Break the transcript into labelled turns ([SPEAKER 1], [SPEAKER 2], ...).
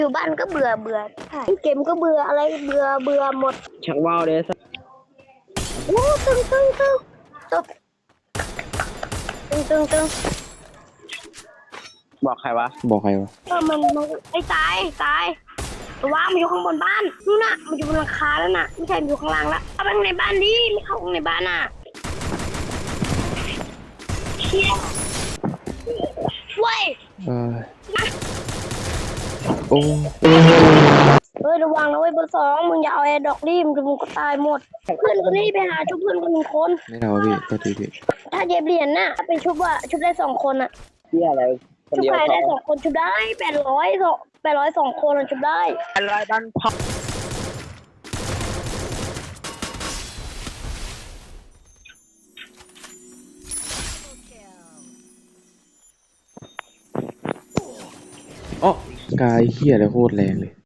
[SPEAKER 1] อยู่บ้านก็เบื่อเกมก็เบื่ออะไรเบื่อหมด
[SPEAKER 2] ชักว่าวเลยสัก
[SPEAKER 1] โอ้ตึงตบตึง
[SPEAKER 2] บอกใครวะ
[SPEAKER 1] มันไอ้ตายว่ามันอยู่ข้างบนบ้านนู่นน่ะมันอยู่บนหลังคาแล้วน่ะไม่ใช่มันอยู่ข้างล่างแล้วเข้าไปในบ้านดิไม่เข้าในบ้านน่ะเชี่ยเว้ย
[SPEAKER 3] โอ้
[SPEAKER 1] ระวังนะเว้ยเบอร์2มึงอย่าเอาแอร์ดอกดิมึงก็ตายหมดเพื่อนคนนี้ไปหาชุบเพื่อนคน1 คน
[SPEAKER 3] ไม่เอาพี่ตัวทีพี่
[SPEAKER 1] ถ้าเย็บเหรียญน่ะถ้าเป็นชุบได้2 คนอ่ะ
[SPEAKER 2] เที่ยอะไรคน
[SPEAKER 1] ชุบ
[SPEAKER 2] เดียว
[SPEAKER 1] ใครได้2 คนชุบได้800 2 คนชุบได้
[SPEAKER 2] อะไรดันพับ
[SPEAKER 3] อ๋อกายเฮียอะไรโคตรแรงเลย